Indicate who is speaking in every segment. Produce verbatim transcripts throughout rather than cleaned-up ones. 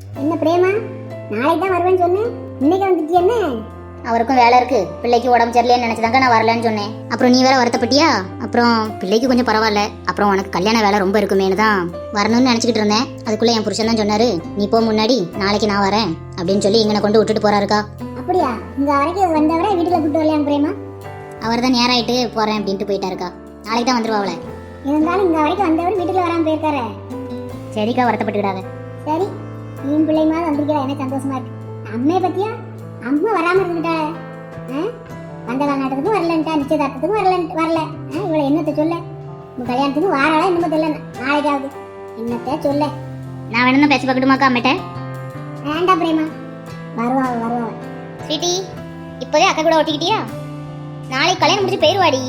Speaker 1: என்ன பிரேமா, நாளைக்கு தான் வருவேன்னு சொன்னேன், இன்னைக்கு வந்துட்டு என்ன?
Speaker 2: அவருக்கும் வேலை இருக்கு, பிள்ளைக்கு உடம்பு சரியில்லைன்னு நினைச்சதாங்க நான் வரலன்னு சொன்னேன். அப்புறம் நீ வேற வருத்தப்பட்டியா? அப்புறம் பிள்ளைக்கு கொஞ்சம் பரவாயில்ல, அப்புறம் உனக்கு கல்யாண வேலை ரொம்ப இருக்குமேனு தான் வரணும்னு நினைச்சிட்டு இருந்தேன். அதுக்குள்ள என் புருஷன் தான் சொன்னாரு, நீ போ முன்னாடி, நாளைக்கு நான் வரேன் அப்படின்னு சொல்லி இங்கன கொண்டு விட்டுட்டு போறாருக்கா.
Speaker 1: அப்படியா? இங்க வரைக்கும் வந்தவரை வீட்டுல கூட்டு வரலையா பிரேமா?
Speaker 2: அவர் தான் நேராயிட்டு போறேன் அப்படின்ட்டு போயிட்டாருக்கா. நாளைக்கு தான் வந்துருவாங்களே.
Speaker 1: இருந்தாலும் இங்க வரைக்கும் வந்தவர் வீட்டுல வராம போயிருக்காரு.
Speaker 2: சரிக்கா, வருத்தப்பட்டுக்கிடாத.
Speaker 1: சரி, நீ பிள்ளைமா வந்திருக்கா, எனக்கு சந்தோஷமா இருக்கு. அம்மையை பத்தியா? அம்மா வராம இருந்துட்டாளே, வந்த காலநாட்டத்துக்கும் வரலன்ட்டா, நிச்சயதார்த்தத்துக்கும் வரல வரல இவளை என்னத்தை சொல்ல? உங்க கல்யாணத்துக்கு வாராளா இன்னும் தெரியல, நாளைக்காவது என்னத்த சொல்ல?
Speaker 2: நான் வேணும்னா பேசி பார்க்கட்டுமாக்கா அம்மிட்ட?
Speaker 1: வேண்டாம் பிரேமா, வருவா வருவா.
Speaker 2: ஸ்வீட்டி, இப்போதே அக்கா கூட ஒட்டிக்கிட்டியா? நாளைக்கு கல்யாணம் முடிச்சு போயிருவாடி.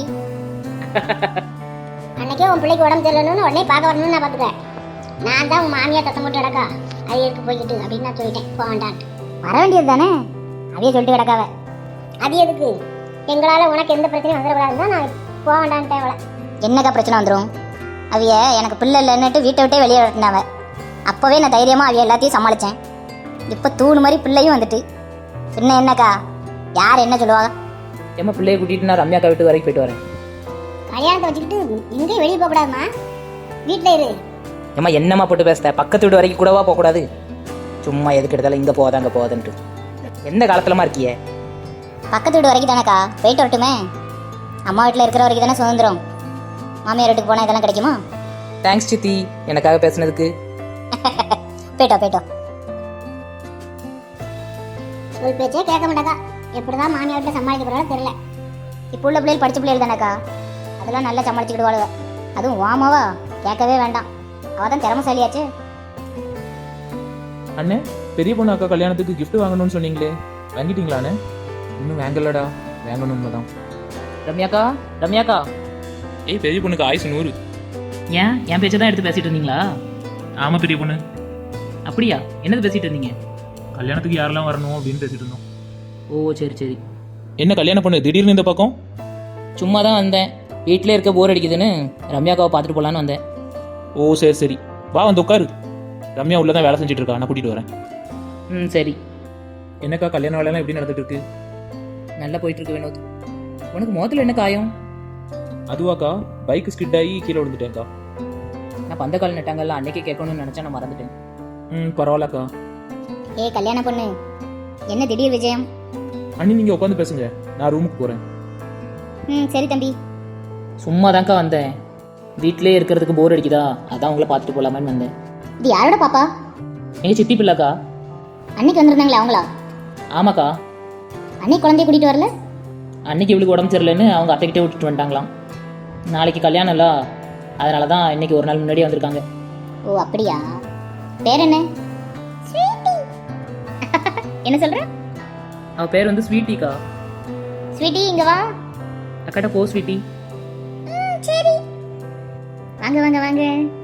Speaker 1: அன்னைக்கே உன் பிள்ளைக்கு உடம்பு தெரியலன்னு உடனே பார்க்க வரணும்னு நான் பார்த்துக்கிறேன். நான் தான் உன் மாமியா தத்தம் போட்டு கிடக்கா, அரியருக்கு போய்கிட்டு அப்படின்னு நான் சொல்லிட்டேன். போக வேண்டான்ட்டு.
Speaker 2: வர வேண்டியது தானே, அதையே சொல்லிட்டு கிடக்காவ.
Speaker 1: அது எதுக்கு? எங்களால் உனக்கு எந்த பிரச்சனையும் வந்துடக்கூடாதுன்னு தான் நான் போக வேண்டான்ட்டேன். அவளை
Speaker 2: என்னக்கா பிரச்சனை வந்துடும்? அவைய எனக்கு பிள்ளை இல்லைன்னுட்டு வீட்டை விட்டே வெளியே விட்டுனாவ. அப்போவே நான் தைரியமாக அவைய எல்லாத்தையும் சமாளித்தேன். இப்போ தூணு மாதிரி பிள்ளையும் வந்துட்டு பின்ன என்னக்கா, யார் என்ன சொல்லுவாங்க?
Speaker 3: ஏமா பிள்ளைய கூட்டிட்டு நான் ரம்யாக்கா வீட்டு வரைக்கும் போயிட்டு வரேன்.
Speaker 1: கல்யாணத்தை வச்சுக்கிட்டு எங்கேயும் வெளியே போகக்கூடாதுமா, வீட்டில் இரு.
Speaker 3: ஏமா என்னம்மா போட்டு பேசுத? பக்கத்து வீடு வரைக்கும் கூடவா போகக்கூடாது? சும்மா எதுக்கு எடுத்தாலும் இங்கே போகாத அங்கே போகாதுன்ட்டு எந்த காலத்துலமா இருக்கியே?
Speaker 2: பக்கத்து வீடு வரைக்கும் தானேக்கா, போயிட்டு வரட்டுமே. அம்மா வீட்டில் இருக்கிற வரைக்கும் தானே சுதந்திரம். மாமியார் வீட்டுக்கு போனால் இதெல்லாம் கிடைக்குமா?
Speaker 3: தேங்க்ஸ் சித்தி, எனக்காக பேசுனதுக்கு.
Speaker 2: போயிட்டோம் போயிட்டோம்.
Speaker 1: ஒரு பேச்சே கேட்க மாட்டாக்கா. எப்படிதான் மாமியார் வீட்டில் சமாளிக்க போறாலும் தெரியல.
Speaker 2: இப்போ உள்ள பிள்ளைகள் படித்த பிள்ளைகள் தானேக்கா, அதெல்லாம் நல்லா சமாளிச்சுக்கிடுவாளுவ. அதுவும் வாமாவா கேட்கவே வேண்டாம், அவள் தான் திறமசாலியாச்சு.
Speaker 4: அண்ணே, பெரிய பொண்ணு அக்கா கல்யாணத்துக்கு கிஃப்ட் வாங்கணும்னு சொன்னீங்களே, வாங்கிட்டீங்களாண்ணே? இன்னும் வாங்கலடா, வாங்கணும் தான்.
Speaker 3: ரம்யாக்கா, ரம்யாக்கா.
Speaker 4: ஏய், பெரிய பொண்ணுக்கு ஆயுசு நூறு.
Speaker 3: ஏன் என் பேச்சை தான் எடுத்து பேசிட்டு இருந்தீங்களா?
Speaker 4: ஆமாம் பெரிய பொண்ணு.
Speaker 3: அப்படியா? என்னது பேசிட்டு இருந்தீங்க?
Speaker 4: கல்யாணத்துக்கு யாரெல்லாம் வரணும் அப்படின்னு பேசிட்டு இருந்தோம்.
Speaker 3: ஓ சரி சரி.
Speaker 4: என்ன கல்யாண பொண்ணு திடீர்னு இந்த பக்கம்?
Speaker 3: சும்மா தான் வந்தேன், வீட்டிலே இருக்க போர் அடிக்குதுன்னு ரம்யாக்காவை பார்த்துட்டு போகலான்னு வந்தேன்.
Speaker 4: ஓ சரி சரி, வா வந்து உட்காரு. ரம்யா உள்ள தான் வேலை செஞ்சுட்டு இருக்கா, நான் கூட்டிகிட்டு வரேன்.
Speaker 3: ம் சரி.
Speaker 4: என்னக்கா கல்யாண வேலையெல்லாம் எப்படி நடந்துட்டு இருக்கு?
Speaker 3: நல்லா போயிட்டு இருக்கு வினோத். உனக்கு முகத்தில் என்ன காயம்?
Speaker 4: அதுவாக்கா, பைக் ஸ்கிட் ஆகி கீழே விழுந்துட்டேன்க்கா.
Speaker 3: நான் பந்த கால் நட்டாங்கல்ல, அன்னைக்கே கேட்கணும்னு நினச்சா நான் மறந்துட்டேன்.
Speaker 4: ம் பரவாயில்லக்கா.
Speaker 2: ஏ கல்யாண பொண்ணு, என்ன திடீர் விஜயம்?
Speaker 4: அண்ணி நீங்கள் உட்காந்து பேசுங்க, நான் ரூமுக்கு போகிறேன்.
Speaker 2: ம் சரி தம்பி.
Speaker 3: சும்மா தான்க்கா வந்தேன், வீட்டிலே இருக்கிறதுக்கு போர் அடிக்குதா, அதான் உங்களை பார்த்துட்டு போகலாமான்னு வந்தேன்.
Speaker 2: இது யாரோட பாப்பா?
Speaker 3: எங்கள் சித்தி பிள்ளைக்கா.
Speaker 2: அன்னைக்கு வந்திருந்தாங்களே அவங்களா?
Speaker 3: ஆமாக்கா.
Speaker 2: அன்னைக்கு குழந்தைய கூட்டிகிட்டு வரல?
Speaker 3: அன்னைக்கு இவளுக்கு உடம்பு சரியில்லைன்னு அவங்க அத்தைக்கிட்டே விட்டுட்டு வந்துட்டாங்களாம். நாளைக்கு கல்யாணம் இல்லை, அதனால தான் இன்னைக்கு ஒரு நாள் முன்னாடியே வந்திருக்காங்க.
Speaker 2: ஓ அப்படியா? பேர் என்ன? என்ன சொல்ற?
Speaker 3: அவள் பேர் வந்து ஸ்வீட்டிக்கா.
Speaker 2: ஸ்வீட்டி இங்க வா.
Speaker 3: அக்காட்ட போ ஸ்வீட்டி.
Speaker 2: சரி, வாங்க வாங்க வாங்க.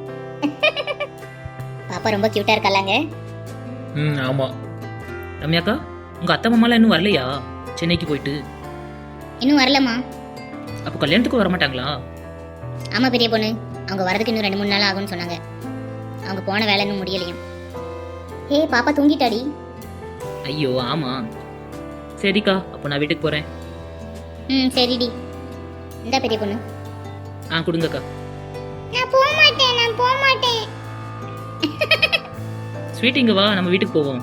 Speaker 2: பாப்பா ரொம்ப கியூட்டா இருக்கலாங்க.
Speaker 4: ம் ஆமாம்.
Speaker 3: ரம்யாக்கா, உங்கள் அத்தை மாமாலாம் இன்னும் வரலையா சென்னைக்கு போயிட்டு?
Speaker 2: இன்னும் வரலம்மா.
Speaker 3: அப்போ கல்யாணத்துக்கு வர மாட்டாங்களா?
Speaker 2: ஆமா பெரிய பொண்ணு, அவங்க வரதுக்கு இன்னும் ரெண்டு மூணு நாள் ஆகும்னு சொன்னாங்க. அவங்க போன வேலை இன்னும் முடியலையும். ஹே பாப்பா தூங்கிட்டாடி.
Speaker 3: ஐயோ ஆமாம். சரிக்கா, அப்போ நான் வீட்டுக்கு போகிறேன்.
Speaker 2: ம் சரிடி. இந்த பெரிய பொண்ணு.
Speaker 3: ஆ கொடுங்கக்கா.
Speaker 2: நான் போக மாட்டேன், நான் போக மாட்டேன்.
Speaker 3: ஸ்வீட் இங்கே வா, நம்ம வீட்டுக்கு போவோம்.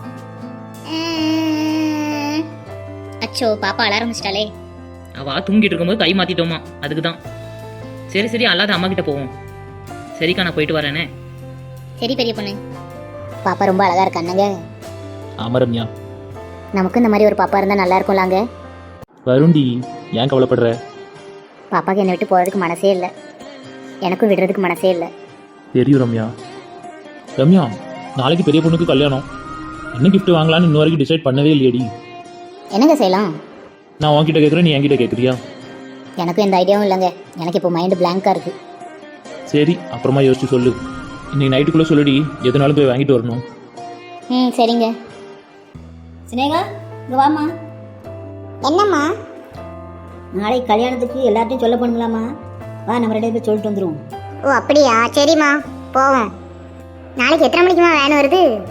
Speaker 2: அச்சோ, பாப்பா அழ ஆரம்பிச்சிட்டாலே.
Speaker 3: அவா தூங்கிட்டு இருக்கும்போது கை மாற்றிட்டோமா, அதுக்கு தான். சரி சரி, அல்லாத அம்மா கிட்ட போவோம். சரிக்கா, நான் போயிட்டு வரேனே.
Speaker 2: சரி பெரிய பொண்ணு. பாப்பா ரொம்ப அழகா இருக்கானுங்க.
Speaker 4: ஆமாம் ரம்யா.
Speaker 2: நமக்கு இந்த மாதிரி ஒரு பாப்பா இருந்தால் நல்லா இருக்கும்லாங்க.
Speaker 4: வருண்டி, ஏன் கவலைப்படுற?
Speaker 2: பாப்பாக்கு என்னை விட்டு போகிறதுக்கு மனசே இல்லை, எனக்கும் விடுறதுக்கு மனசே இல்லை.
Speaker 4: தெரியும் ரம்யா. ரம்யா, நாளைக்கு பெரிய பொண்ணுக்கு கல்யாணம், என்ன கிஃப்ட் வாங்கலான்னு இன்ன வரைக்கும் டிசைட் பண்ணவே இல்லையடி.
Speaker 2: என்னங்க செய்யலாம்?
Speaker 4: நான் உன்கிட்ட கேட்குறேன், நீ என்கிட்ட கேட்குறியா?
Speaker 2: எனக்கும் எந்த ஐடியாவும் இல்லைங்க, எனக்கு இப்போ மைண்டு பிளாங்காக இருக்குது.
Speaker 4: சரி, அப்புறமா யோசிச்சு சொல்லு. இன்னைக்கு நைட்டுக்குள்ளே சொல்லுடி, எதுனாலும் போய் வாங்கிட்டு வரணும்.
Speaker 2: ம் சரிங்க.
Speaker 5: சினேகா, இங்கே வாம்மா.
Speaker 1: என்னம்மா?
Speaker 5: நாளைக்கு கல்யாணத்துக்கு எல்லார்ட்டையும் சொல்ல போகணுங்களாம்மா. வா, நம்ம ரெண்டு பேர் சொல்லிட்டு வந்துடுவோம்.
Speaker 1: ஓ அப்படியா, சரிம்மா போவோம். நாளைக்கு எத்தனை மணிக்குமா வேன் வருது?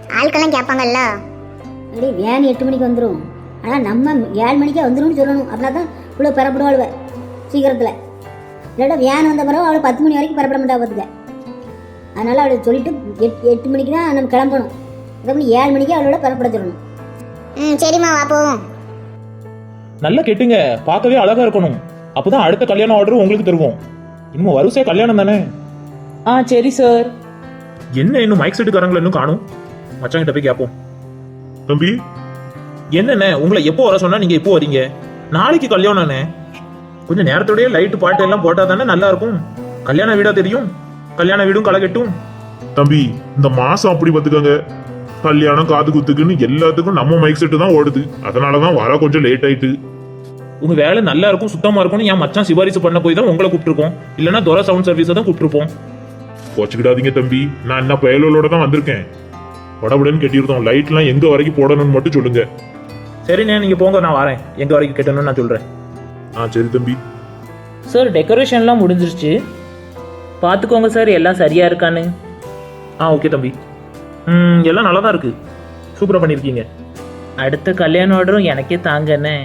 Speaker 2: ஆட்கள்லாம் கேட்பாங்கல்ல.
Speaker 5: அப்படி வேன் எட்டு மணிக்கு வந்துடும், ஆனால் நம்ம ஏழு மணிக்கே வந்துடும்னு சொல்லணும். அப்படின்னா தான் இவ்வளோ பெறப்படுவாள் சீக்கிரத்தில். இல்லாட்டா வேன் வந்த பிறகு அவளை பத்து மணி வரைக்கும் பெறப்பட மாட்டா பார்த்துக்க. அதனால் அவளை சொல்லிட்டு எட் எட்டு மணிக்கு தான் நம்ம கிளம்பணும். அதே ஏழு மணிக்கு அவளோட பெறப்பட சொல்லணும்.
Speaker 2: ம் சரிம்மா வா போவோம்.
Speaker 4: நல்லா கேட்டுங்க, பார்க்கவே அழகா இருக்கணும். அப்போதான் அடுத்த கல்யாண ஆர்டர் உங்களுக்கு தருவோம். இன்னும் வரிசையா கல்யாணம் தானே.
Speaker 3: ஆ சரி சார்.
Speaker 4: என்ன இன்னும் மைக் செட்டுக்காரங்களை இன்னும் காணும். மச்சான் கிட்ட போய் கேட்போம். தம்பி என்னண்ணே, உங்களை எப்போ வர சொன்னா நீங்க எப்போ வரீங்க? நாளைக்கு கல்யாணம்ண்ணே. கொஞ்சம் நேரத்தோடய லைட்டு பாட்டு எல்லாம் போட்டா தானே நல்லா இருக்கும். கல்யாண வீடா தெரியும், கல்யாண வீடும் களை கட்டும்.
Speaker 6: தம்பி இந்த மாசம் அப்படி பார்த்துக்கோங்க, கல்யாணம் காது குத்துக்குன்னு எல்லாத்துக்கும் நம்ம மைக் செட்டு தான் ஓடுது. அதனாலதான் வர கொஞ்சம் லேட் ஆயிட்டு.
Speaker 4: உங்க வேலை நல்லா இருக்கும், சுத்தமா இருக்கும்னு என் மச்சான் சிபாரிசு பண்ண போய் தான் உங்களை கூப்பிட்டுருக்கோம். இல்லைன்னா துரை சவுண்ட் சர்வீஸை தான் கூப்பிட்டுருப்போம்.
Speaker 6: வச்சுக்கிடாதீங்க தம்பி, நான் என்ன பயலோட தான் வந்திருக்கேன். படபடன்னு கட்டியிருந்தோம். லைட்லாம் எங்க வரைக்கும் போடணும்னு மட்டும் சொல்லுங்க.
Speaker 4: சரிண்ணே நீங்க போங்க, நான் வரேன். எங்க வரைக்கும் கட்டணும்னு நான் சொல்றேன்.
Speaker 6: ஆ சரி தம்பி.
Speaker 3: சார் டெக்கரேஷன்லாம் முடிஞ்சிருச்சு, பார்த்துக்கோங்க சார் எல்லாம் சரியா இருக்கான்னு.
Speaker 4: ஆ ஓகே தம்பி. ம் எல்லாம் நல்லா தான் இருக்கு, சூப்பராக பண்ணியிருக்கீங்க.
Speaker 3: அடுத்த கல்யாண ஆர்டரும் எனக்கே தாங்கண்ணே.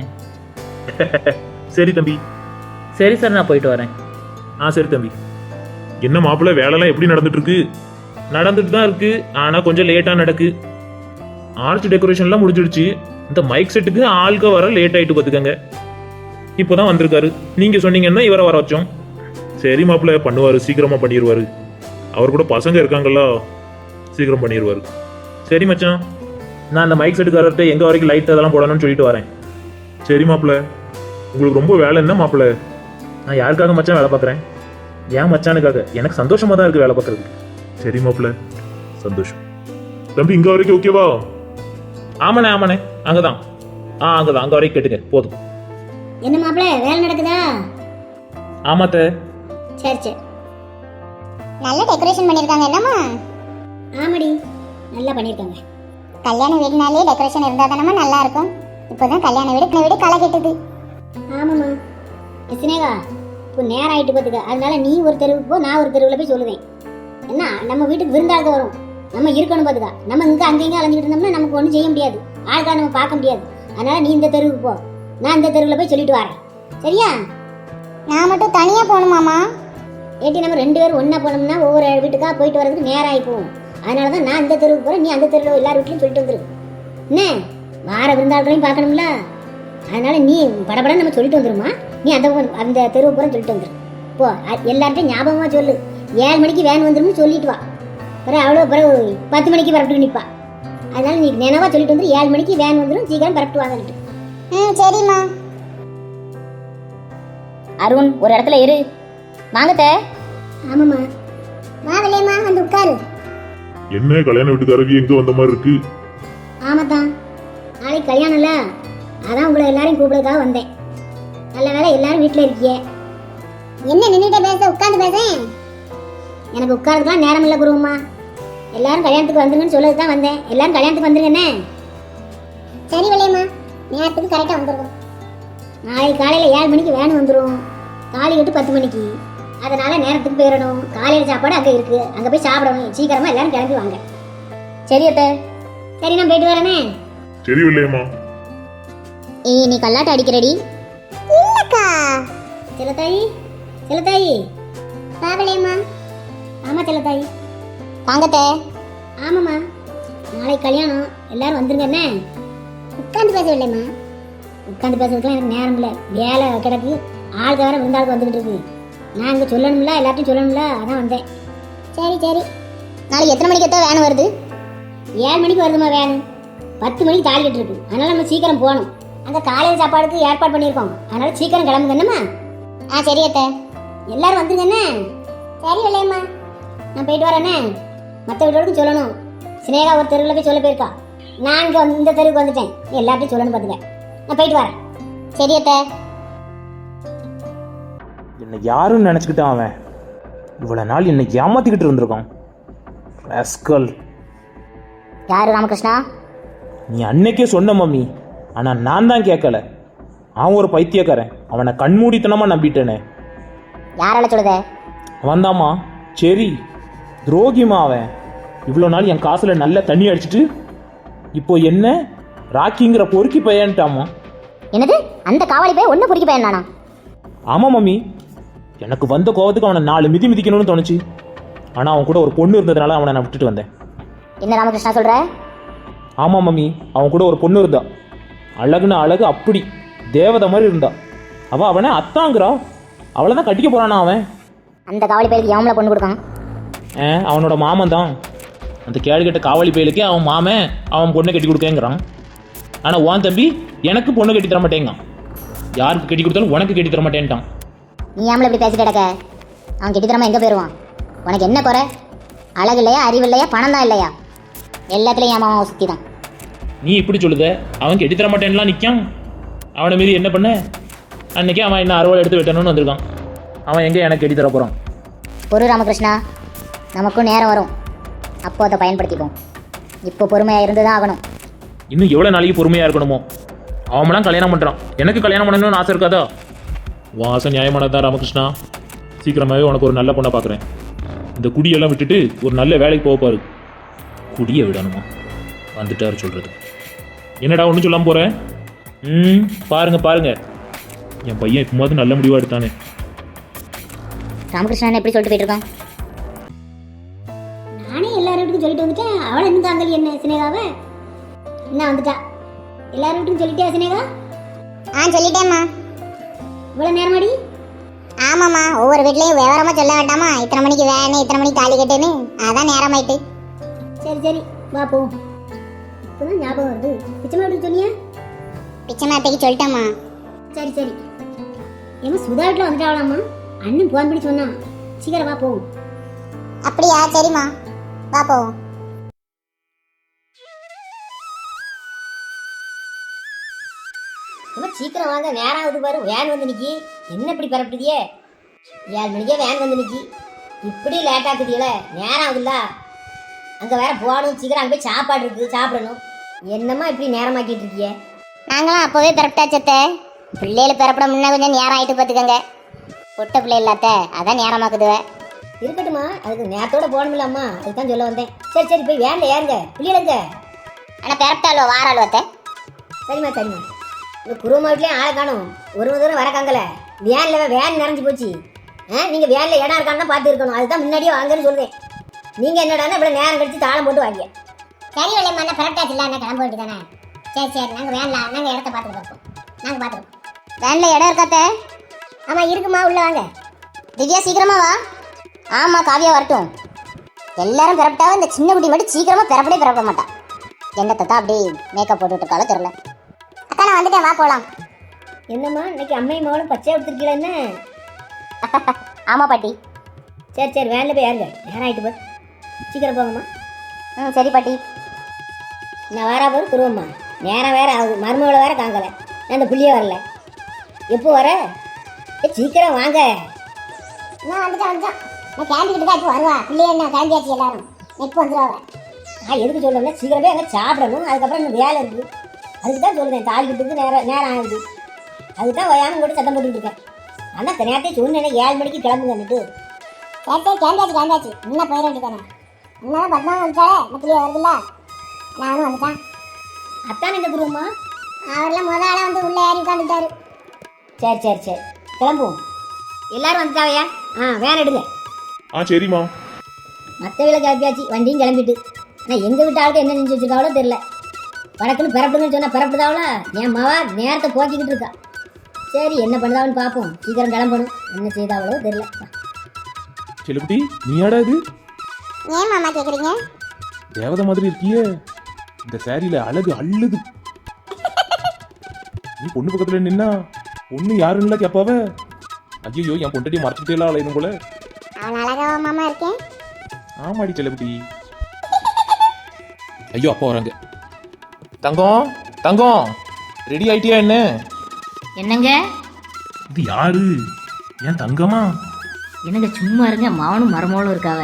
Speaker 4: சரி தம்பி.
Speaker 3: சரி சார் நான் போயிட்டு வரேன்.
Speaker 4: ஆ சரி தம்பி.
Speaker 6: என்ன மாப்பிள்ள, வேலைலாம் எப்படி நடந்துட்டு இருக்கு?
Speaker 4: நடந்துட்டு தான் இருக்கு, ஆனால் கொஞ்சம் லேட்டாக நடக்கு. ஆர்ச் டெக்கரேஷன்லாம் முடிஞ்சிடுச்சு. இந்த மைக் செட்டுக்கு ஆள்க வர லேட் ஆயிட்டு பார்த்துக்கங்க. இப்போதான் வந்திருக்காரு, நீங்க சொன்னீங்கன்னா இவரை வர வச்சோம்.
Speaker 6: சரி மாப்பிள்ள, பண்ணுவாரு, சீக்கிரமா பண்ணிடுவாரு. அவர் கூட பசங்க இருக்காங்கல்ல, சீக்கிரம் பண்ணிடுவாரு.
Speaker 4: சரி மச்சான், நான் அந்த மைக் செட்டுக்காரர்கிட்ட எங்க வரைக்கும் லைட் அதெல்லாம் போடணும்னு சொல்லிட்டு வரேன்.
Speaker 6: சரி மாப்பிள்ள, உங்களுக்கு ரொம்ப வேலை என்ன மாப்பிள்ள?
Speaker 4: நான் யாருக்காக மச்சான் வேலை பார்க்குறேன்? ஏன் மச்சானுக்காக. எனக்கு சந்தோஷமா தான் இருக்கு வேலை பார்க்கறது.
Speaker 6: சரி மாப்பிள்ள, சந்தோஷம். தம்பி இங்க வரைக்கும் ஓகேவா?
Speaker 4: ஆமாண்ணே ஆமாண்ணே, அங்கதான். ஆ அங்கதான், அங்க வரைக்கும் கேட்டுங்க போதும்.
Speaker 1: என்ன மாப்பிள்ள வேலை நடக்குதா?
Speaker 4: ஆமாத்த.
Speaker 1: சரி சரி.
Speaker 2: நல்ல டெக்கரேஷன் பண்ணியிருக்காங்க என்னம்மா?
Speaker 1: ஆமாடி, நல்லா பண்ணியிருக்காங்க.
Speaker 2: கல்யாண வீடுனாலே டெக்கரேஷன் இருந்தால் தானம்மா நல்லா இருக்கும். இப்போதான் கல்யாண வீடு வீடு களை கெட்டுது.
Speaker 1: ஆமாம்மா. சினேகா இப்போ நேரம் ஆயிட்டு பார்த்துக்க. அதனால நீ ஒரு தெருவுக்கு போ, நான் ஒரு தெருவில் போய் சொல்லுவேன். என்ன நம்ம வீட்டுக்கு விருந்தாளுக்கு வரும், நம்ம இருக்கணும் பார்த்துக்கா. நம்ம இங்கே அங்கேயும் அலைஞ்சிட்டு இருந்தோம்னா நமக்கு ஒன்றும் செய்ய முடியாது, ஆளுக்காக நம்ம பார்க்க முடியாது. அதனால நீ இந்த தெருவுக்கு போ, நான் இந்த தெருவில் போய் சொல்லிட்டு வரேன். சரியா?
Speaker 2: நான் மட்டும் தனியாக போகணுமாம்மா?
Speaker 1: ஏட்டி நம்ம ரெண்டு பேரும் ஒன்றா போனோம்னா ஒவ்வொரு வீட்டுக்காக போயிட்டு வரதுக்கு நேரம் ஆகி போகும். அதனால தான் நான் இந்த தெருவுக்கு போகிறேன், நீ அந்த தெருவில் எல்லார் வீட்லையும் சொல்லிட்டு வந்துரு. என்ன வார விருந்தாள்களையும் பார்க்கணும்ல, அதனால நீ படபடன்னு நம்ம சொல்லிட்டு வந்துருமா. நீ அந்த அந்த தெருவு போகிறேன்னு சொல்லிட்டு வந்துரு. போ, எல்லார்ட்டையும் ஞாபகமாக சொல்லு, ஏழு மணிக்கு வேன் வந்துரும்னு சொல்லிட்டு வா. பிறகு அவ்வளோ பிறகு பத்து மணிக்கு பரப்பிட்டு நிற்பா. அதனால நீ நினைவாக சொல்லிட்டு வந்துரு, ஏழு மணிக்கு வேன் வந்துடும், சீக்கிரம் பரப்பிட்டு வாங்கன்ட்டு.
Speaker 2: ம் சரிம்மா. அருண் ஒரு இடத்துல இரு. வாங்கத்த.
Speaker 1: ஆமாம்மா, வா விலையம்மா, வந்து உட்காரு.
Speaker 6: என்ன கல்யாண வீட்டுக்காரங்க எங்க வந்த மாதிரி இருக்கு?
Speaker 1: ஆமாத்தான், நாளைக்கு கல்யாணம்ல, அதான் உங்களை எல்லாரையும் கூப்பிடுறதுக்காக வந்தேன். நல்ல வேலை எல்லாரும் வீட்டில் இருக்கியே.
Speaker 2: என்ன நின்றுட்டே பேச, உட்காந்து பேசேன்.
Speaker 1: எனக்கு உட்காரதுக்குலாம் நேரம் இல்லை குருவம்மா. எல்லாரும் கல்யாணத்துக்கு வந்துருங்கன்னு சொல்லது தான் வந்தேன். எல்லாரும் கல்யாணத்துக்கு வந்துருங்கண்ணே.
Speaker 2: சரி விலையம்மா, நேரத்துக்கு கரெக்டாக வந்துருக்கோம்.
Speaker 1: நாளைக்கு காலையில் ஏழு மணிக்கு வேன் வந்துடும், காலை எட்டு பத்து மணிக்கு. அதனால நேரத்துக்கு போயிடணும். காலையில் சாப்பாடு அங்கே இருக்குது, அங்கே போய் சாப்பிடணும். சீக்கிரமாக எல்லாரும் கிளம்பி வாங்க.
Speaker 2: சரி அத்தை.
Speaker 1: சரி நான் போயிட்டு வரேனே.
Speaker 6: சரி இல்லையம்மா.
Speaker 2: ஏய் நீ கல்லாட்ட அடிக்கிறடி. இல்லக்கா.
Speaker 1: செல்லத்தாயி, செல்லத்தாயி.
Speaker 2: பாவலையம்மா.
Speaker 1: ஆமாம் செல்லத்தாயி.
Speaker 2: வாங்கத்தே.
Speaker 1: ஆமாம்மா, நாளைக்கு கல்யாணம், எல்லாரும் வந்துருங்கண்ணே.
Speaker 2: உட்காந்து பேசவில்லைம்மா.
Speaker 1: உட்காந்து பேசுறதுக்குலாம் எனக்கு நேரம் இல்லை, வேலை கிடக்கு. ஆளுக்கு வேற விருந்தாளுக்கு வந்துக்கிட்டு இருக்கு. நான் இங்கே சொல்லணும்ல, எல்லாத்தையும் சொல்லணும்ல, அதான் வந்தேன்.
Speaker 2: சரி சரி. நாளைக்கு எத்தனை மணிக்கு எத்தனை வேன் வருது?
Speaker 1: ஏழு மணிக்கு வருதுமா வேன். பத்து மணிக்கு தாலி கட்டிருக்கு, அதனால நம்ம சீக்கிரம் போகணும். அங்கே காலையில் சாப்பாடுக்கு ஏற்பாடு பண்ணியிருக்கோம், அதனால சீக்கிரம் கிளம்புங்க என்னம்மா.
Speaker 2: ஆ சரி அத்தை.
Speaker 1: எல்லாரும் வந்துருங்கண்ணே.
Speaker 2: சரி விலையம்மா.
Speaker 1: நான் போயிட்டு வரேண்ணே. மற்ற வீட்டோடுக்கும் சொல்லணும். சினேகா ஒரு தெருவில் போய் சொல்ல போயிருக்கா, நான் இங்கே வந்து இந்த தெருவுக்கு வந்துட்டேன். நீ எல்லாத்தையும் சொல்லணும் பார்த்துக்க. நான் போயிட்டு வரேன்.
Speaker 2: சரி அத்தை.
Speaker 3: என்னை யாருன்னு நினச்சிக்கிட்டான் அவன். இவ்வளோ நாள் என்னை ஏமாத்திக்கிட்டு இருந்திருக்கான் ராஸ்கல்.
Speaker 2: யாரு ராமகிருஷ்ணா?
Speaker 3: நீ அன்னைக்கே சொன்ன மம்மி, ஆனால் நான் தான் கேட்கல. அவன் ஒரு பைத்தியக்காரன், அவனை கண்மூடித்தனமாக நம்பிட்டேனே.
Speaker 2: யாரால சொல்லுத?
Speaker 3: அவன்தாம்மா, சரி துரோகிமா அவன்.
Speaker 4: இவ்வளோ நாள் என் காசுல நல்ல தண்ணி அடிச்சிட்டு இப்போ என்ன ராக்கிங்கிற பொறுக்கி பையன்ட்டாமா.
Speaker 2: என்னது அந்த காவாலி போய் ஒன்று பொறுக்கி பையன் நானா?
Speaker 4: ஆமாம் மம்மி, எனக்கு வந்த கோவத்துக்கு அவனை நாலு மிதி மிதிக்கணும்னு தோணுச்சு. ஆனால் அவன் கூட ஒரு பொண்ணு இருந்ததுனால அவனை நான் விட்டுட்டு வந்தேன்.
Speaker 2: என்ன ராமகிருஷ்ணா சொல்ற?
Speaker 4: ஆமாம் மம்மி, அவன் கூட ஒரு பொண்ணு இருந்தா. அழகுன்னு அழகு அப்படி தேவதை மாதிரி இருந்தா. அவள் அவனை அத்தாங்கிறா. அவளை தான் கட்டிக்க போறானா அவன்.
Speaker 2: அந்த காவலி பையலுக்கு எவங்கள பொண்ணு கொடுக்கான்?
Speaker 4: ஆ, அவனோட மாமன் தான். அந்த கேடு கெட்ட காவலி பயலுக்கே அவன் மாமன் அவன் பொண்ணை கட்டி கொடுக்கேங்கிறான். ஆனால் உன் தம்பி எனக்கு பொண்ணு கட்டி தர மாட்டேங்கான். யாருக்கு கட்டி கொடுத்தாலும் உனக்கு கட்டி தர மாட்டேன்ட்டான்.
Speaker 2: நீ ஆம்பளை இப்படி பேசிட்டு கிடக்க? அவன் கெட்டித்தரமா எங்கே போயிடுவான்? உனக்கு என்ன குறை? அழகு இல்லையா, அறிவு இல்லையா, பணம் தான் இல்லையா? எல்லாத்துலேயும் என் மாமாவை சுற்றி தான்.
Speaker 4: நீ இப்படி சொல்லுத? அவன் கட்டி தர மாட்டேன்லாம் நிற்கான். அவனை மீறி என்ன பண்ண? அன்னைக்கே அவன் என்ன அறுவாள் எடுத்து வெட்டணும்னு வந்திருக்கான். அவன் எங்கே எனக்கு கட்டி தர போகிறான்?
Speaker 2: பொறு ராமகிருஷ்ணா, நமக்கும் நேரம் வரும், அப்போ அதை பயன்படுத்திப்போம். இப்போ பொறுமையாக இருந்து தான் ஆகணும்.
Speaker 4: இன்னும் எவ்வளோ நாளைக்கு பொறுமையாக இருக்கணுமோ? அவன்லாம் கல்யாணம் பண்ணுறான், எனக்கு கல்யாணம் பண்ணணும்னு ஆசை இருக்காதா? உன் ஆசை நியாயமானதான் ராமகிருஷ்ணா. சீக்கிரமாகவே உனக்கு ஒரு நல்ல பொண்ணை பார்க்குறேன். இந்த குடியெல்லாம் விட்டுட்டு ஒரு நல்ல வேலைக்கு போக பாரு. குடியை விடணுமா? வந்துட்டாரு சொல்கிறது. என்னடா ஒன்றும் சொல்லாமல் போகிறேன்? ம், பாருங்க பாருங்க, என் பையன் இப்போது நல்ல முடிவாக எடுத்தானே.
Speaker 2: ராமகிருஷ்ணன் எப்படி சொல்லிட்டு போயிட்டு இருக்கான்?
Speaker 1: நானே எல்லாரும் வீட்டுக்கும் சொல்லிட்டு வந்துட்டேன். அவளை இன்னும் தாங்கல் என்ன சினேகாவை என்ன வந்துட்டா. எல்லாரும் வீட்டுக்கும் சொல்லிட்டே சினேகா?
Speaker 2: ஆ சொல்லிட்டேம்மா.
Speaker 1: இவ்வளோ நேரமாடி?
Speaker 2: ஆமாம்மா, ஒவ்வொரு வீட்லேயும் விவரமாக சொல்ல வேண்டாமா? இத்தனை மணிக்கு வேணும், இத்தனை மணிக்கு தாலி கட்டுன்னு. அதான் நேரம் ஆயிட்டு.
Speaker 1: சரி சரி வா போ. இப்போதான் ஞாபகம் வருது, பிச்சைமா வீட்டுக்கு சொன்னியா?
Speaker 2: பிச்சைமா அத்தைக்கு சொல்லிட்டேம்மா.
Speaker 1: சரி சரி. ஏமா சுதா வீட்டில் வந்துட்டாவலாமா? அண்ணன் போன் பண்ணி சொன்னான். சீக்கிரம் வா போவோம்.
Speaker 2: அப்படியா? சரிம்மா, வா போவோம்.
Speaker 5: ரொம்ப சீக்கிரம் வாங்க, நேரம் ஆகுது பாரு. வேன் வந்து நிக்கி. என்ன இப்படி பரப்பிட்டியே? ஏழு மணிக்கே வேன் வந்து நிக்கி. இப்படி லேட் ஆக்குதியல, நேரம் ஆகுதுல்ல. அங்கே வேற போகணும், சீக்கிரம் அங்கே போய் சாப்பாடு இருக்குது, சாப்பிடணும். என்னம்மா இப்படி நேரமாக்கிட்டு இருக்கியே?
Speaker 2: நாங்களாம் அப்போவே பிறப்பிட்டாச்சத்த. பிள்ளைகள் பிறப்பட முன்ன கொஞ்சம் நேரம் ஆகிட்டு பார்த்துக்கங்க. பொட்ட பிள்ளை இல்லாத அதான் நேரமாக்குதுவ.
Speaker 5: இருக்கட்டுமா, அதுக்கு நேரத்தோட போகணுமில்லாம்மா, அதுக்கு தான் சொல்ல வந்தேன். சரி சரி போய் வேனில் ஏறுங்க, பிள்ளைகளுங்க.
Speaker 2: ஆனால் பிறப்பிட்டாலோ வாராளோ அத்தை?
Speaker 5: சரிம்மா சரிம்மா. இந்த குருவம்மா வீட்லேயும் ஆளை காணும். ஒரு தூரம் வரக்காங்கல. வேனில் வேன் நிறைஞ்சு போச்சு. ஆ, நீங்கள் வேனில் இடம் இருக்கான்னு தான் பார்த்து இருக்கணும். அதுதான் முன்னாடியே வாங்கன்னு சொல்கிறேன். நீங்கள் என்னடானா இவ்வளோ நேரம் கழிச்சு தாளம் போட்டு வாங்க.
Speaker 1: சரி வழியம்மா, என்ன பிறப்பிட்டாச்சு இல்லை, என்ன கிளம்ப வேண்டியதானே? சரி சரி, நாங்கள் வேணலாம், நாங்கள் இடத்த பார்த்துட்டு இருப்போம். நாங்கள் பார்த்துருப்போம்.
Speaker 2: வேனில் இடம் இருக்காத்த?
Speaker 1: ஆமாம் இருக்குமா, உள்ள வாங்க.
Speaker 2: திவ்யா சீக்கிரமா வா. ஆமாம், காவியா வரட்டும். எல்லாரும் பிறப்பிட்டாவும் இந்த சின்ன குட்டி மட்டும் சீக்கிரமாக பிறப்படே பிறப்பட மாட்டான். என்னத்தை தான் அப்படி மேக்கப் போட்டுட்டு இருக்காலும் தெரில. அக்கா நான் வந்துட்டேன், வா போகலாம்.
Speaker 5: என்னம்மா இன்னைக்கு அம்மையும் மகளும் பச்சையாக எடுத்துருக்கீங்களா என்ன?
Speaker 2: ஆமாம் பாட்டி.
Speaker 5: சரி சரி வேனில் போய் ஏறுங்க, நேரம் ஆகிட்டு போய் சீக்கிரம் போங்கம்மா.
Speaker 2: ம் சரி பாட்டி.
Speaker 5: நான் வரா போது குருவம்மா, நேரம் வேற ஆகுது. மருமகளை வேற காங்கலை, நான் அந்த புள்ளியே வரல. எப்போ வர? ஏ சீக்கிரம் வாங்க.
Speaker 1: நான் வந்துட்டேன் வந்துட்டேன். நான் கிளம்பிக்கிட்டு தான் இப்போ வருவா. பிள்ளைய என்ன கிளம்பியாச்சு எல்லாரும். இப்போ வந்துடுவாங்க.
Speaker 5: நான் எதுக்கு சொல்கிறேன்னா சீக்கிரம் போய் அங்கே சாப்பிடணும். அதுக்கப்புறம் இன்னும் வேலை இருக்குது. அதுக்கு தான் சொல்கிறேன், தாலி கட்டுறதுக்கு நேரம் நேரம் ஆகுது. அதுக்கு தான் வயாமல் கூட சத்தம் போட்டுட்டு இருக்கேன். ஆனால் இந்த நேரத்தை சொன்னேன், ஏழு மணிக்கு கிளம்புங்கன்னுட்டு.
Speaker 1: கேட்டே கிளம்பியாச்சு கிளம்பியாச்சு. இன்னும் போயிட வேண்டியதானே? இன்னும் பத்மா வந்துட்டாலே இந்த பிள்ளைய வருதுல்ல, நானும் வந்துட்டேன்.
Speaker 5: அத்தானே இந்த குருவம்மா.
Speaker 1: அவரெல்லாம் முத ஆளாக வந்து உள்ளே ஏறி உட்காந்துட்டாரு.
Speaker 5: சரி சரி சரி கிளம்புவோம். எல்லாரும் வந்துட்டாவையா? ஆ வேன் எடுங்க.
Speaker 6: ஆ சரிம்மா.
Speaker 5: மற்ற வீட்டில் கிளம்பியாச்சு, வண்டியும் கிளம்பிட்டு. ஆனால் எங்கள் வீட்டு ஆளுக்கு என்ன செஞ்சு வச்சுருக்காவளோ தெரில. வடக்குன்னு பிறப்புங்கன்னு சொன்னால் பிறப்புதாவளா? என் மாவா நேரத்தை போக்கிக்கிட்டு இருக்கா. சரி என்ன பண்ணுதாவன்னு பார்ப்போம். சீக்கிரம் கிளம்பணும். என்ன செய்தாவளோ தெரில.
Speaker 4: செல்லுக்குட்டி, நீயாடா இது?
Speaker 2: ஏன் மாமா கேட்குறீங்க?
Speaker 4: தேவதை மாதிரி இருக்கியே. இந்த சாரியில அழகு அள்ளுது. நீ பொண்ணு பக்கத்துல நின்னா பொண்ணு யாருன்னு கேட்பாவ. ஐயோ, என் பொண்டாட்டி மறைச்சிட்டே எல்லாம் அலையணும் போல.
Speaker 2: அவன் அழகாவா மாமா இருக்கேன்?
Speaker 4: ஆமாடி செல்லுக்குட்டி. ஐயோ, அப்பா வராங்க. தங்கம் தங்கம், ரெடி ஆயிட்டியா? என்ன
Speaker 5: என்னங்க
Speaker 4: இது? யாரு? ஏன் தங்கமா?
Speaker 5: என்னங்க சும்மா இருங்க, மாவனும் மருமகளும் இருக்காவ.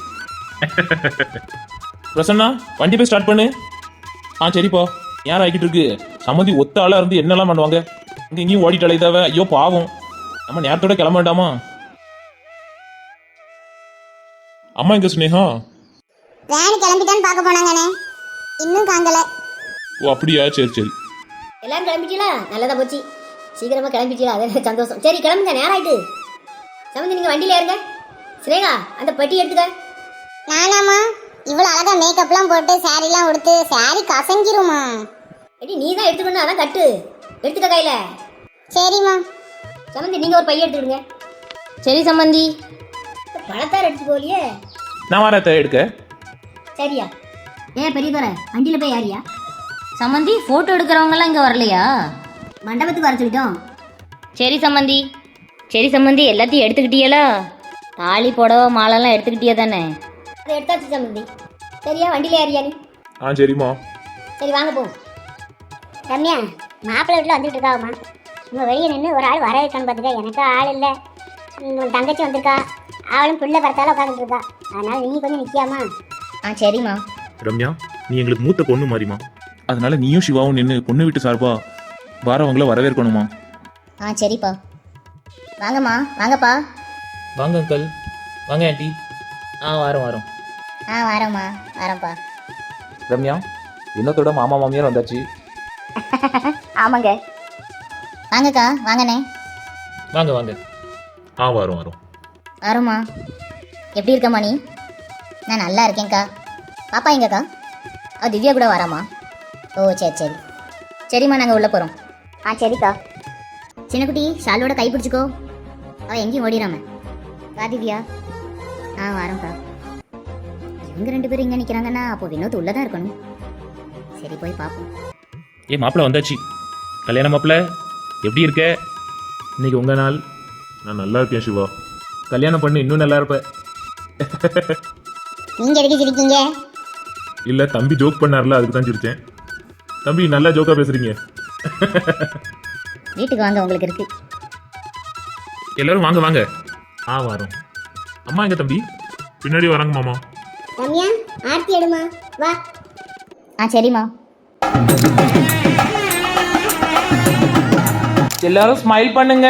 Speaker 4: பிரசன்னா, வண்டி போய் ஸ்டார்ட் பண்ணு. ஆ சரிப்பா. யார் ஆகிட்டு இருக்கு? சம்மந்தி ஒத்த ஆளா இருந்து என்னெல்லாம் பண்ணுவாங்க? இங்க இங்கேயும் ஓடிட்டு அலைதாவ. ஐயோ பாவம், நம்ம நேரத்தோட கிளம்ப வேண்டாமா? அம்மா எங்க ஸ்னேகா?
Speaker 1: வேன் கிளம்பிட்டான்னு பார்க்க போனாங்கண்ணே, இன்னும் காங்கல.
Speaker 6: ஓ அப்படியா, சரி சரி.
Speaker 5: எல்லாரும் கிளம்பிட்டீங்களா? நல்லதா போச்சு, சீக்கிரமா கிளம்பிட்டீங்களா? அது சந்தோஷம். சரி கிளம்புங்க, நேரம் ஆயிட்டு. சமந்தி நீங்க வண்டியில இருங்க. சிரேகா அந்த பெட்டி எடுத்துக்க.
Speaker 1: நானாமா இவ்வளவு அழகா மேக்கப்லாம் போட்டு சாரிலாம் உடுத்து சாரி கசங்கிருமா?
Speaker 5: எடி நீ தான் எடுத்துக்கணும், அதான் கட்டு எடுத்துக்க கையில.
Speaker 1: சரிம்மா.
Speaker 5: சமந்தி நீங்க ஒரு பைய எடுத்துடுங்க.
Speaker 2: சரி சம்மந்தி.
Speaker 5: பழத்தார் எடுத்து போலியே.
Speaker 4: நான் வரத்தை எடுக்க.
Speaker 5: சரியா? ஏன் பெரிய தோற வண்டியில போய் யாரியா?
Speaker 2: சம்மந்தி ஃபோட்டோ எடுக்கிறவங்கலாம் இங்கே வரலையா?
Speaker 5: மண்டபத்துக்கு வர சொல்லிட்டோம்.
Speaker 2: சரி சம்மந்தி. சரி சம்மந்தி, எல்லாத்தையும் எடுத்துக்கிட்டியலா? தாலி புடவை மாலைலாம் எடுத்துக்கிட்டியா தானே?
Speaker 5: அதை எடுத்தாச்சு சமந்தி. சரியா? வண்டியில யாரியா நீ?
Speaker 6: ஆ சரிம்மா.
Speaker 5: சரி வாங்க போ.
Speaker 1: ரம்யா, மாப்பிள்ளை வீட்டில் வந்துட்டு இருக்காவுமா. உங்க வெளியே நின்று ஒரு ஆள் வர இருக்கான்னு பார்த்துக்க. எனக்கு ஆள் இல்லை. உன் தங்கச்சி வந்திருக்கா, அவளும் பிள்ளை பறத்தால உட்காந்துட்டு இருக்கா. அதனால நீ கொஞ்சம் நிற்காமா?
Speaker 2: ஆ சரிம்மா.
Speaker 6: ரம்யா, நீ எங்களுக்கு மூத்த பொண்ணு மாதிரிமா, அதனால நீயும் சிவாவும் நின்று பொண்ணு வீட்டு சார்பா வாரவங்கள வரவேற்கணுமா.
Speaker 2: ஆ சரிப்பா. வாங்கம்மா, வாங்கப்பா.
Speaker 3: வாங்க அங்கிள், வாங்க ஆண்டி. ஆ வாரம் வாரம்.
Speaker 2: ஆ வாரம்மா, வாரம்ப்பா.
Speaker 4: ரம்யா, இன்னத்தோட மாமா மாமியார் வந்தாச்சு.
Speaker 2: ஆமாங்க. வாங்கக்கா, வாங்கண்ணே.
Speaker 3: வாங்க வாங்க.
Speaker 6: ஆ வரும் வரும்.
Speaker 2: வரோம்மா. எப்படி இருக்கம்மா நீ? நான் நல்லா இருக்கேன்க்கா. பாப்பா எங்கக்கா? ஆ திவ்யா கூட வராம்மா. ஓ சரி சரி. சரிம்மா, நாங்கள் உள்ளே போகிறோம். ஆ சரிக்கா. சின்னக்குட்டி ஷாலோட கை பிடிச்சிக்கோ, அவள் எங்கேயும் ஓடிடாம. வா திவ்யா. ஆ வரோம்க்கா. இவங்க ரெண்டு பேரும் இங்கே நிற்கிறாங்கன்னா அப்போ வினோத் உள்ளே தான் இருக்கணும். சரி போய் பார்ப்போம்.
Speaker 4: ஏ மாப்பிள்ள வந்தாச்சு. கல்யாண மாப்பிள்ள எப்படி இருக்க? இன்னைக்கு உங்க நாள்.
Speaker 6: நான் நல்லா இருக்கேன் சிவா.
Speaker 4: கல்யாணம் பண்ணு, இன்னும் நல்லா இருப்ப.
Speaker 1: நீங்க எதுக்கு சிரிக்கீங்க?
Speaker 6: இல்ல தம்பி ஜோக் பண்ணார்ல, அதுக்கு தான் சிரிச்சேன். தம்பி நல்லா ஜோக்கா பேசுறீங்க.
Speaker 2: வீட்டுக்கு வாங்க, உங்களுக்கு இருக்கு.
Speaker 4: எல்லாரும் வாங்க வாங்க. ஆ வரோம். அம்மா எங்க தம்பி?
Speaker 6: பின்னாடி வராங்க மாமா.
Speaker 1: ரம்யா, ஆர்த்தி எடுமா, வா.
Speaker 2: ஆ சரிம்மா.
Speaker 3: எல்லாரும் ஸ்மைல் பண்ணுங்க.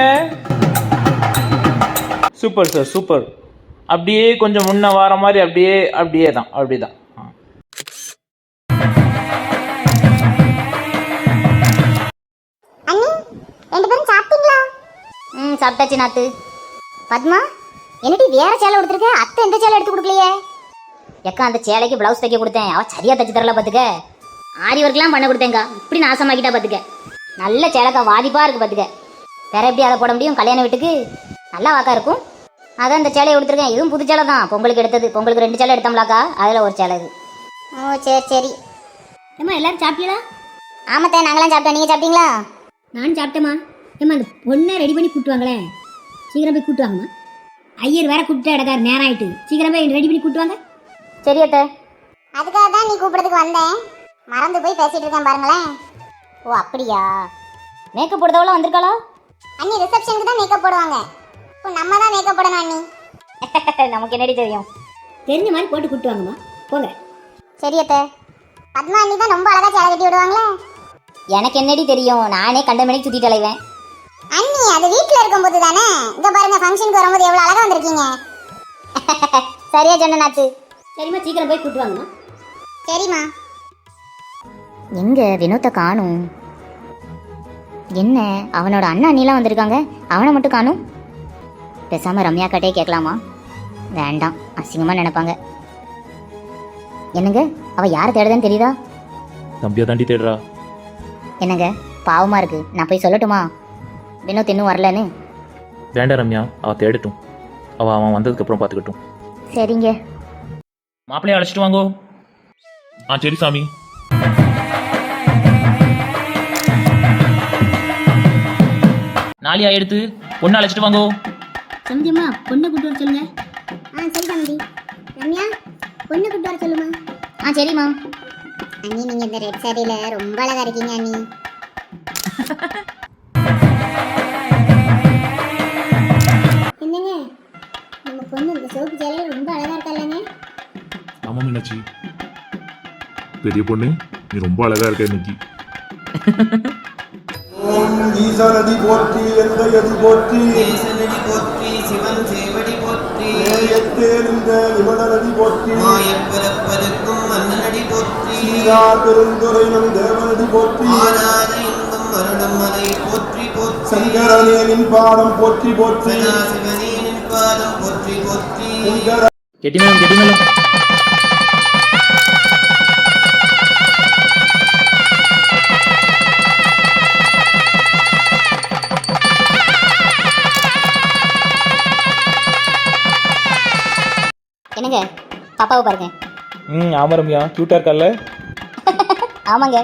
Speaker 3: Super sir, super. அப்படியே கொஞ்சம் முன்ன வர மாதிரி, அப்படியே அப்படியே தான், அப்படியே தான்.
Speaker 1: அண்ணி, ரெண்டு பேரும் சாப்பிட்டீங்களா?
Speaker 2: ம் சாப்பிட்டாச்சு நாத்து. பத்மா, என்னடி வேற சேலை கொடுத்துருக்க? அத்தை எந்த சேலை எடுத்து கொடுக்கலையே? எக்கா அந்த சேலைக்கு பிளவுஸ் தைக்க கொடுத்தேன், அவள் சரியா தைச்சு தரல பார்த்துக்க. ஆரி ஒர்க்லாம் பண்ண கொடுத்தேங்க்கா, இப்படி நாசமாக்கிட்டா பார்த்துக்க. நல்ல சேலைக்கா, வாதிப்பா இருக்கு பார்த்துக்க. வேற எப்படி அதை போட முடியும் கல்யாண வீட்டுக்கு? நல்லா வாக்கா இருக்கும். அதான் இந்த சேலையை கொடுத்துருக்கேன். இதுவும் புது சேலை தான், பொங்கலுக்கு எடுத்தது. பொங்கலுக்கு ரெண்டு சேலை எடுத்தோம்லாக்கா, அதில் ஒரு சேலை இது.
Speaker 1: ஓ சரி சரி.
Speaker 5: ஏம்மா எல்லாரும் சாப்பிட்டீங்களா?
Speaker 1: ஆமாத்தே, நாங்களாம் சாப்பிட்டோம். நீங்க சாப்பிட்டீங்களா?
Speaker 5: நானும் சாப்பிட்டேம்மா. ஏம்மா அந்த பொண்ணை ரெடி பண்ணி கூட்டு வாங்களே, சீக்கிரம் போய் கூட்டு வாங்கம்மா. ஐயர் வேற கூப்பிட்டு இடக்காரு, நேரம் ஆயிட்டு. சீக்கிரம் போய் ரெடி பண்ணி கூட்டு வாங்க.
Speaker 2: சரி அத்தை.
Speaker 1: அதுக்காக தான் நீ கூப்பிடறதுக்கு வந்தேன். மறந்து போய் பேசிட்டு இருக்கேன் பாருங்களேன். ஓ அப்படியா?
Speaker 2: மேக்கப் போடுறதவள வந்திருக்காளா?
Speaker 1: அண்ணி ரிசப்ஷனுக்கு தான் மேக்கப் போடுவாங்க. இப்போ நம்ம தான் மேக்கப் போடணும் அண்ணி.
Speaker 2: நமக்கு என்னடி தெரியும்?
Speaker 5: தெரிஞ்ச மாதிரி போட்டு கூட்டு வாங்கம்மா, போங்க.
Speaker 1: சரி அத்தை. பத்மா அண்ணி தான் ரொம்ப அழகா சேலை கட்டி விடுவாங்களே.
Speaker 2: எனக்கு என்னடி தெரியும், நானே கண்ட மணிக்கு சுத்திட்டு அலைவேன்.
Speaker 1: அண்ணி அது வீட்டில் இருக்கும்போது தானே. இங்க பாருங்க, ஃபங்க்ஷனுக்கு வரும்போது எவ்வளோ அழகா வந்திருக்கீங்க.
Speaker 2: சரியா சொன்ன நாத்து.
Speaker 5: சரிம்மா, சீக்கிரம் போய் கூட்டு வாங்கம்மா.
Speaker 1: சரிம்மா.
Speaker 2: எங்க வினோத்தை காணும்? என்ன அவனோட அண்ணா அண்ணிலாம் வந்திருக்காங்க, அவனை மட்டும் காணும். பேசாம ரம்யா கிட்டே கேட்கலாமா? வேண்டாம், அசிங்கமா நினைப்பாங்க. என்னங்க, அவ யாரை தேடுதுன்னு தெரியுதா?
Speaker 4: தம்பியா தாண்டி தேடுறா.
Speaker 2: என்னங்க பாவமா இருக்கு, நான் போய் சொல்லட்டுமா வினோத் இன்னும் வரலன்னு?
Speaker 4: வேண்டாம் ரம்யா, அவ தேடட்டும். அவ அவன் வந்ததுக்கு அப்புறம் பார்த்துக்கட்டும்.
Speaker 2: சரிங்க.
Speaker 4: மாப்பிள்ளைய அழைச்சிட்டு வாங்கோ. ஆ சரி சாமி.
Speaker 3: நாளையா எடுத்து பொண்ணு அழைச்சிட்டு வாங்கோ.
Speaker 5: சந்தியம்மா, பொண்ணை கூட்டு வர சொல்லுங்க.
Speaker 1: ஆ சரி தம்பி. ரம்யா, பொண்ணு கூட்டு வர சொல்லுமா.
Speaker 2: ஆ சரிம்மா.
Speaker 1: அண்ணி நீங்க இந்த ரெட் சாரியில ரொம்ப அழகா இருக்கீங்க அண்ணி. என்னங்க, நம்ம பொண்ணு இந்த சோப்பு சேலையில ரொம்ப அழகா இருக்கால்லங்க.
Speaker 6: ஆமா மீனாட்சி, பெரிய பொண்ணு நீ ரொம்ப அழகா இருக்க இன்னைக்கு.
Speaker 7: ஈசனடி போற்றி எந்த எதி போற்றி
Speaker 8: ஈசனடி போற்றி சிவன் சேவடி போற்றி
Speaker 7: நேயத்தேர்ந்த நிபுணரடி போற்றி
Speaker 8: மாயப்பிறப்பதற்கும் மன்னனடி போற்றி
Speaker 7: சீரார் பெருந்துரை நம் தேவனடி போற்றி
Speaker 8: ஆனாத இன்பம் மருடும் மலை போற்றி போற்றி
Speaker 7: சங்கரனியனின் பாடம் போற்றி போற்றி
Speaker 8: சதாசிவனின் பாதம் போற்றி போற்றி
Speaker 7: சங்கர
Speaker 3: கெட்டிமேளம் கெட்டிமேளம்.
Speaker 2: என்னங்க பாப்பாவை பாருங்க.
Speaker 4: ம் ஆமா ரம்யா, கியூட்டா இருக்கல்ல?
Speaker 2: ஆமாங்க.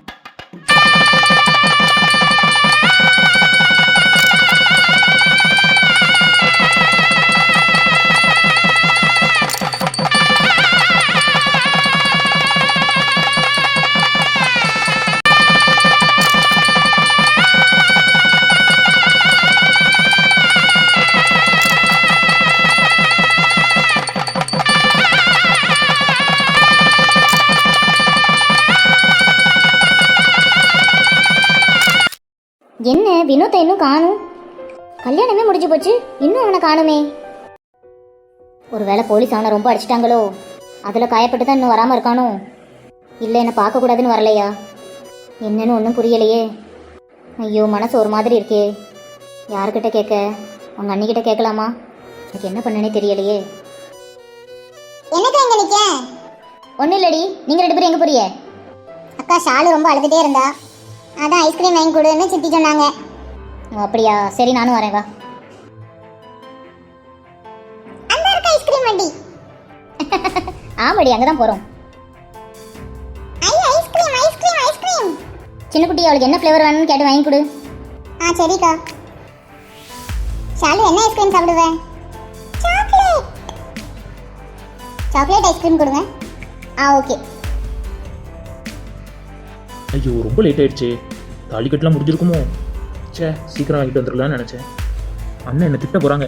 Speaker 2: என்ன வினோத்தை இன்னும் காணும்? கல்யாணமே முடிஞ்சு போச்சு, இன்னும் அவனை காணுமே. ஒருவேளை போலீஸ் அவனை ரொம்ப அடிச்சிட்டாங்களோ, அதில் காயப்பட்டு தான் இன்னும் வராமல் இருக்கானோ? இல்லை என்னை பார்க்கக்கூடாதுன்னு வரலையா? என்னன்னு ஒன்றும் புரியலையே. ஐயோ மனசு ஒரு மாதிரி இருக்கே. யாருக்கிட்ட கேட்க? அவங்க அண்ணிக்கிட்ட கேட்கலாமா? எனக்கு என்ன பண்ணனே தெரியலையே.
Speaker 1: என்னக்கா இங்க நிக்க?
Speaker 2: ஒன்றும் இல்லடி, நீங்கள் ரெண்டு பேரும் எங்கே போறிய?
Speaker 1: அக்கா ஷாலு ரொம்ப அழுதுட்டே இருந்தா, அதான் ஐஸ்கிரீம் வாங்கி கொடுன்னு சித்தி சொன்னாங்க.
Speaker 2: ஓ அப்படியா, சரி நானும் வரேன் வா.
Speaker 1: அந்த இருக்க ஐஸ்கிரீம் வண்டி.
Speaker 2: ஆமாடி, அங்கே தான் போகிறோம்.
Speaker 1: ஐ ஐஸ்கிரீம் ஐஸ்கிரீம் ஐஸ்கிரீம்.
Speaker 2: சின்ன குட்டி அவளுக்கு என்ன ஃப்ளேவர் வேணும்னு கேட்டு வாங்கி கொடு.
Speaker 1: ஆ சரிக்கா. ஷாலு என்ன ஐஸ்கிரீம் சாப்பிடுவ? சாக்லேட். சாக்லேட் ஐஸ்கிரீம் கொடுங்க. ஆ ஓகே.
Speaker 4: ஐயோ ரொம்ப லேட் ஆயிடுச்சு. தாலிக்கட்டுலாம் முடிஞ்சிருக்குமோ? சே, சீக்கிரம் வாங்கிட்டு வந்துடலாம்னு நினச்சேன். அண்ணன் என்ன திட்ட போகிறாங்க.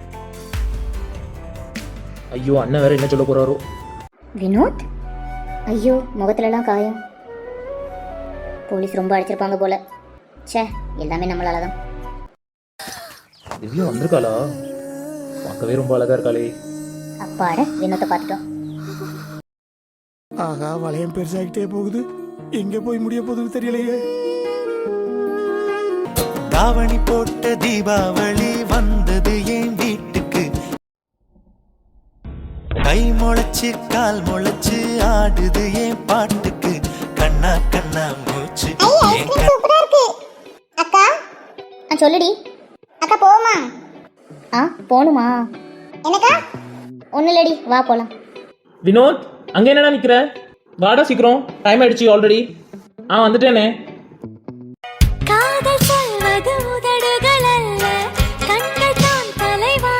Speaker 4: ஐயோ அண்ணன் வேற என்ன சொல்ல போகிறாரோ.
Speaker 2: வினோத், ஐயோ முகத்துலலாம் காயம். போலீஸ் ரொம்ப அடிச்சிருப்பாங்க போல. ச்சே, எல்லாமே நம்மளால தான்.
Speaker 4: திவ்யா வந்திருக்காளா? பார்க்கவே ரொம்ப அழகா இருக்காளே.
Speaker 2: அப்பாட, வினோத்தை பார்த்துட்டோம்.
Speaker 7: ஆகா, வளையம் பெருசாகிட்டே போகுது. எங்க போய் முடிய போகுதுன்னு தெரியலையே.
Speaker 8: தாவணி போட்ட தீபாவளி வந்தது என் வீட்டுக்கு. கை முளைச்சு கால் முளைச்சு ஆடுது என் பாட்டுக்கு. கண்ணா கண்ணா மூச்சு
Speaker 1: ஐ ஐஸ்கிரீம் சூப்பரா இருக்கு. அக்கா
Speaker 2: ஆ சொல்லுடி.
Speaker 1: அக்கா போமா?
Speaker 2: ஆ போகணுமா?
Speaker 1: என்னக்கா?
Speaker 2: ஒன்றும் இல்லடி, வா போகலாம்.
Speaker 4: வினோத், அங்கே என்னடா நிற்கிற? வாடா சீக்கிரம், டைம் ஆயிடுச்சு ஆல்ரெடி. ஆ வந்துட்டேனே.
Speaker 9: காதல் சொல்வது உதடுகள் அல்ல, கண்கள் தான் தலைவா.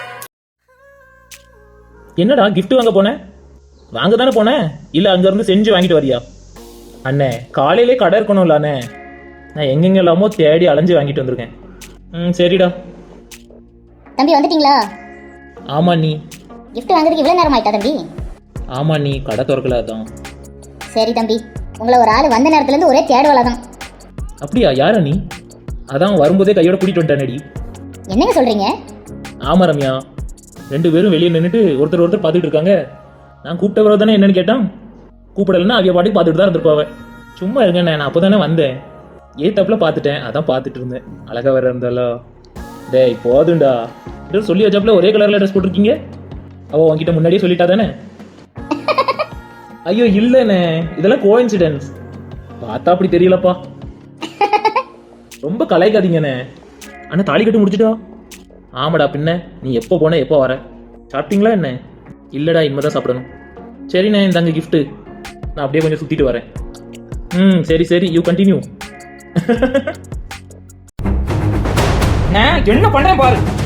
Speaker 4: என்னடா கிஃப்ட் வாங்க போனேன்? வாங்க தானே போனேன், இல்லை அங்கேருந்து செஞ்சு வாங்கிட்டு வரியா? அண்ணே காலையிலே கடை இருக்கணும்ல அண்ணே. நான் எங்கெங்க எல்லாமோ தேடி அலைஞ்சு வாங்கிட்டு வந்திருக்கேன். ம் சரிடா.
Speaker 2: தம்பி வந்துட்டீங்களா?
Speaker 4: ஆமா நீ.
Speaker 2: கிஃப்ட் வாங்குறதுக்கு இவ்வளோ நேரம் ஆயிட்டா தம்பி?
Speaker 4: ஆமா நீ, கடை திறக்கல அதான்.
Speaker 2: சரி தம்பி, உங்களை ஒரு ஆள் வந்த நேரத்துலேருந்து ஒரே தேடுவலை தான்.
Speaker 4: அப்படியா? யாரா நீ? அதான் வரும்போதே கையோட கூட்டிட்டு வந்துட்டேனடி.
Speaker 2: என்னங்க சொல்கிறீங்க?
Speaker 4: ஆமா ரம்யா, ரெண்டு பேரும் வெளியே நின்றுட்டு ஒருத்தர் ஒருத்தர் பார்த்துட்டு இருக்காங்க. நான் கூப்பிட்ட பிறகு தானே என்னன்னு கேட்டான். கூப்பிடலன்னா அவைய பாட்டுக்கு பார்த்துட்டு தான் இருந்திருப்பாவ. சும்மா இருங்கண்ணே, நான் அப்போ தானே வந்தேன். ஏ தப்பில் பார்த்துட்டேன், அதான் பார்த்துட்டு இருந்தேன். அழகா வேற இருந்தாலோ. டேய் போதுண்டா, சொல்லி வச்சாப்புல ஒரே கலரில் ட்ரெஸ் போட்டிருக்கீங்க. அவள் உன்கிட்ட முன்னாடியே சொல்லிட்டா தானே? ஐயோ இல்லைண்ணே, இதெல்லாம் கோஇன்சிடென்ஸ். பார்த்தா அப்படி தெரியலப்பா. ரொம்ப கலாய்க்காதீங்கண்ணே. அண்ணா தாலி கட்டு முடிச்சிட்டா? ஆமாடா, பின்ன நீ எப்போ போன எப்போ வர? சாப்பிட்டீங்களா என்ன? இல்லைடா, இனிமேதான் சாப்பிடணும். சரிண்ணே, இந்தாங்க கிஃப்ட்டு. நான் அப்படியே கொஞ்சம் சுற்றிட்டு வரேன். ம் சரி சரி, யூ கண்டினியூ.
Speaker 3: நான் என்ன பண்ணுறேன் பாரு.